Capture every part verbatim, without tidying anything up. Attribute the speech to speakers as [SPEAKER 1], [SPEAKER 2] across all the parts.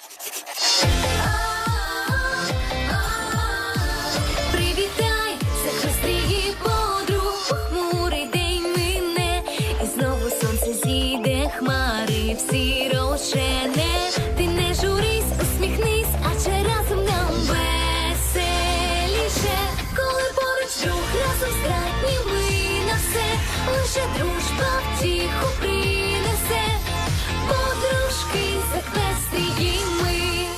[SPEAKER 1] Привітай, це хвострії подруг, похмурий день мине, і знову сонце зійде, хмари всі розжене. Ти не журись, усміхнись, адже разом нам веселіше. Коли поруч друг, разом здатні ми на все, лише дружба втіху принесе. Подружки захвестрії ми.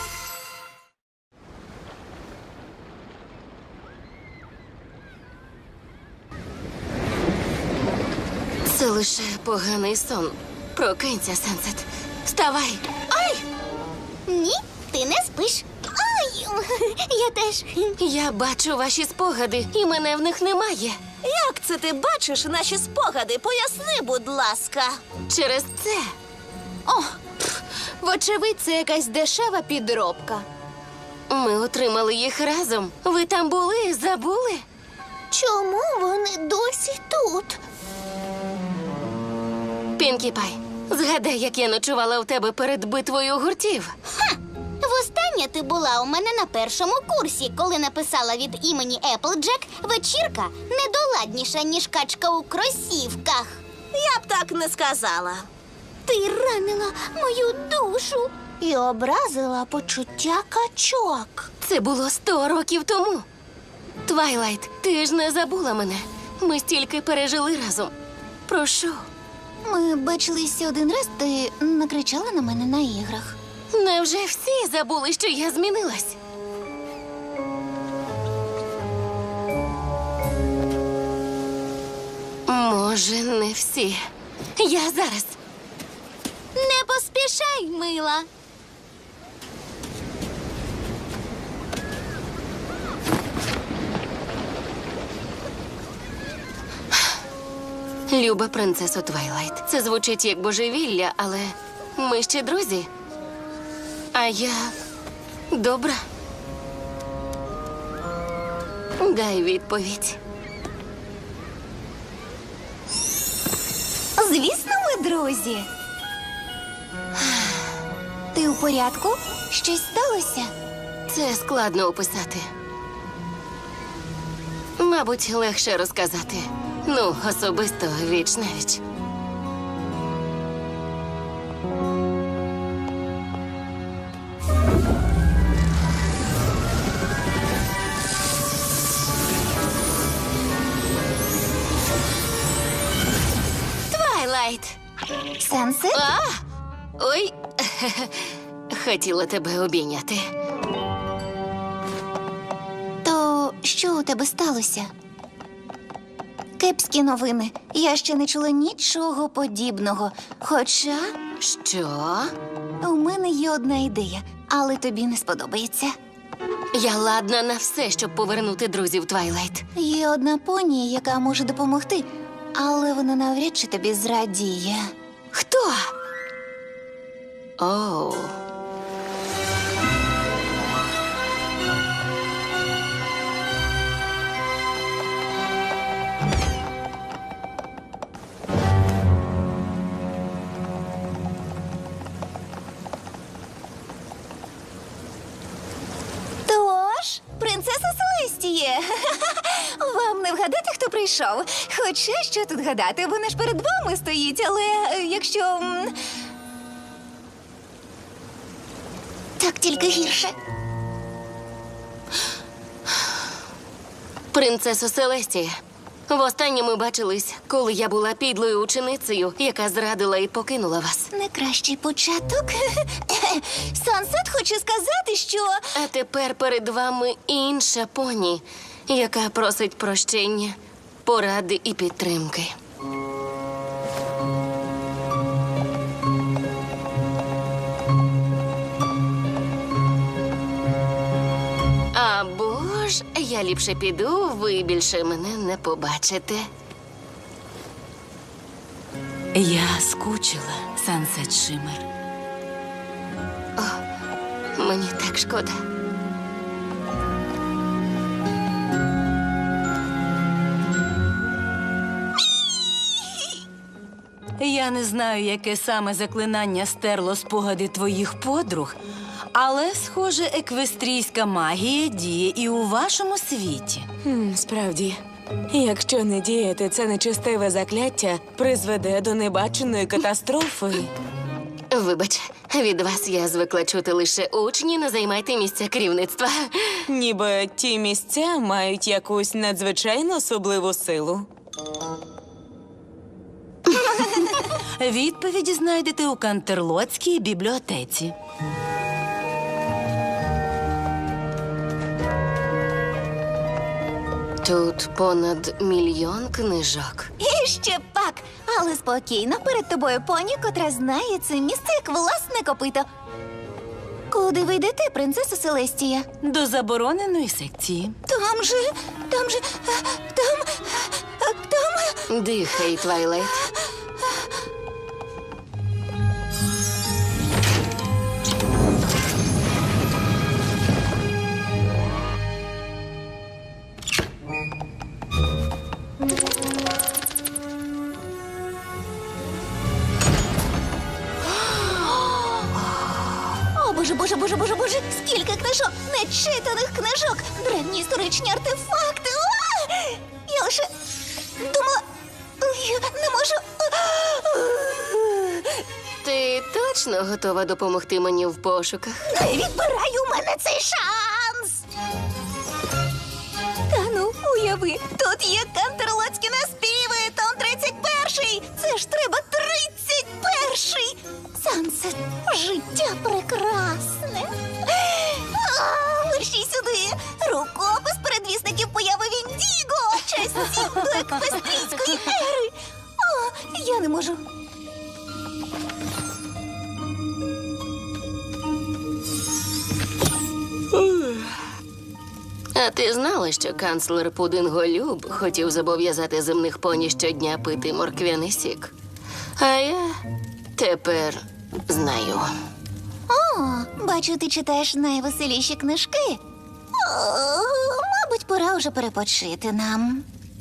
[SPEAKER 2] Це лише поганий сон. Прокинься, Сенсет. Вставай. Ай!
[SPEAKER 3] Ні, ти не спиш. Ай, я теж.
[SPEAKER 2] Я бачу ваші спогади, і мене в них немає.
[SPEAKER 4] Як це ти бачиш наші спогади? Поясни, будь ласка.
[SPEAKER 2] Через це.
[SPEAKER 5] О, пф, вочевидь, це якась дешева підробка.
[SPEAKER 2] Ми отримали їх разом. Ви там були, забули?
[SPEAKER 3] Чому вони досі тут?
[SPEAKER 2] Пінкі Пай, згадай, як я ночувала у тебе перед битвою гуртів.
[SPEAKER 3] Востаннє ти була у мене на першому курсі, коли написала від імені Еплджек «Вечірка недоладніша, ніж качка у кросівках».
[SPEAKER 4] Я б так не сказала.
[SPEAKER 3] Ти ранила мою душу і образила почуття качок.
[SPEAKER 2] Це було сто років тому. Твайлайт, ти ж не забула мене. Ми стільки пережили разом. Прошу.
[SPEAKER 3] Ми бачилися один раз, ти накричала на мене на іграх.
[SPEAKER 2] Невже всі забули, що я змінилась? Може, не всі. Я зараз.
[SPEAKER 3] Не поспішай, мила.
[SPEAKER 2] Люба принцесо Твайлайт. Це звучить як божевілля, але ми ще друзі. А я добра. Дай відповідь.
[SPEAKER 3] Звісно, ми друзі. Ти у порядку? Щось сталося?
[SPEAKER 2] Це складно описати. Мабуть, легше розказати. Ну, особисто віч на віч. Твайлайт!
[SPEAKER 3] Сенсет?
[SPEAKER 2] А! Ой! Хотіла тебе обійняти.
[SPEAKER 3] То що у тебе сталося? Кепські новини. Я ще не чула нічого подібного. Хоча
[SPEAKER 2] Що?
[SPEAKER 3] у мене є одна ідея, але тобі не сподобається.
[SPEAKER 2] Я ладна на все, щоб повернути друзів Твайлайт.
[SPEAKER 3] Є одна поні, яка може допомогти, але вона навряд чи тобі зрадіє.
[SPEAKER 2] Хто? Оу.
[SPEAKER 3] Тож, принцеса Селестіє, вам не вгадати, хто прийшов. Хоча, що тут гадати, вона ж перед вами стоїть, але е, якщо... м, Так тільки гірше.
[SPEAKER 2] Принцесо Селестія. Востаннє ми бачились, коли я була підлою ученицею, яка зрадила і покинула вас.
[SPEAKER 3] Не кращий початок. Сансет хоче сказати, що...
[SPEAKER 2] А тепер перед вами інша поні, яка просить прощення, поради і підтримки. Або ж я ліпше піду, ви більше мене не побачите.
[SPEAKER 6] Я скучила, Сансет Шиммер.
[SPEAKER 2] Мені так шкода.
[SPEAKER 6] Я Я не знаю, яке саме заклинання стерло спогади твоїх подруг, але, схоже, еквестрійська магія діє і у вашому світі.
[SPEAKER 7] Хм, справді, якщо не діяти, це нечестиве закляття призведе до небаченої катастрофи.
[SPEAKER 2] Вибач, від вас я звикла чути лише учні, не займайте місця керівництва.
[SPEAKER 7] Ніби ті місця мають якусь надзвичайно особливу силу.
[SPEAKER 6] Відповіді знайдете у Кантерлоцькій бібліотеці.
[SPEAKER 2] Тут понад мільйон книжок.
[SPEAKER 3] І ще пак. Але спокійно, перед тобою поні, котра знає це місце як власне копито. Куди ви йдете, принцеса Селестія?
[SPEAKER 6] До забороненої секції.
[SPEAKER 3] Там же, там же, е, там, е, там.
[SPEAKER 2] Дихай, Твайлайт.
[SPEAKER 3] О, боже, боже, боже, боже, боже, скільки книжок, нечитаних книжок, древні історичні артефакти. А! Я лише думала, я не можу.
[SPEAKER 2] Ти точно готова допомогти мені в пошуках?
[SPEAKER 3] Не відбирай у мене цей шанс. Та ну, уяви, тут є кантерлоцькі наспіви, том тридцять перший. Це ж треба тридцять перший. Сансет, життя прекрасне. А, мерщій сюди. Рукопис передвісників появи Віндіго. Часів до еквестрійської ери. О, я не можу.
[SPEAKER 2] А ти знала, що канцлер Пудинголюб хотів зобов'язати земних поні щодня пити морквяний сік? А я тепер знаю.
[SPEAKER 3] О, бачу, ти читаєш найвеселіші книжки. О, мабуть, пора вже перепочити нам.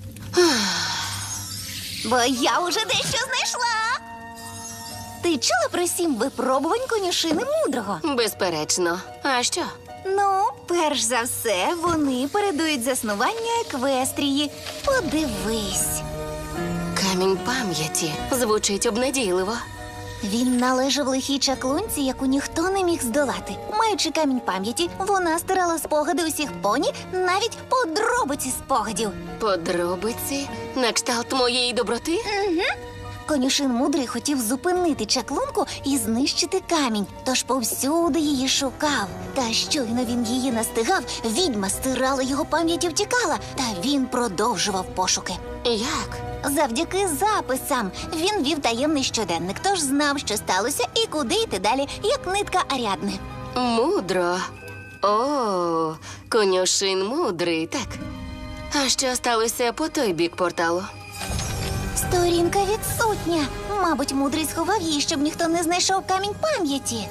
[SPEAKER 3] Бо я уже дещо знайшла. Ти чула про сім випробувань конюшини мудрого?
[SPEAKER 2] Безперечно. А що?
[SPEAKER 3] Ну, перш за все, вони передують заснування еквестрії. Подивись.
[SPEAKER 2] Камінь пам'яті звучить обнадійливо.
[SPEAKER 3] Він належав лихій чаклунці, яку ніхто не міг здолати. Маючи камінь пам'яті, вона стирала спогади усіх поні, навіть подробиці спогадів.
[SPEAKER 2] Подробиці на кшталт моєї доброти?
[SPEAKER 3] Конюшин мудрий хотів зупинити чаклунку і знищити камінь, тож повсюди її шукав. Та щойно він її настигав, відьма стирала його пам'ять і втікала, та він продовжував пошуки.
[SPEAKER 2] Як?
[SPEAKER 3] Завдяки записам він вів таємний щоденник, тож знав, що сталося і куди йти далі, як нитка Аріадни.
[SPEAKER 2] Мудро. О, конюшин мудрий, так. А що сталося по той бік порталу?
[SPEAKER 3] Сторінка відсутня. Мабуть, мудрий сховав її, щоб ніхто не знайшов камінь пам'яті.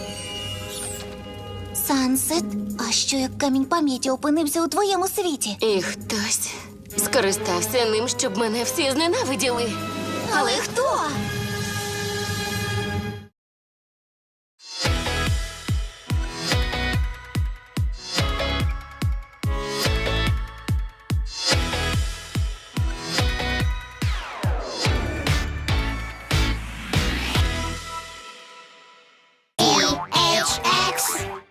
[SPEAKER 3] Сансет, а що як камінь пам'яті опинився у твоєму світі?
[SPEAKER 2] І хтось скористався ним, щоб мене всі зненавиділи.
[SPEAKER 3] Але хто?
[SPEAKER 1] Ейч Екс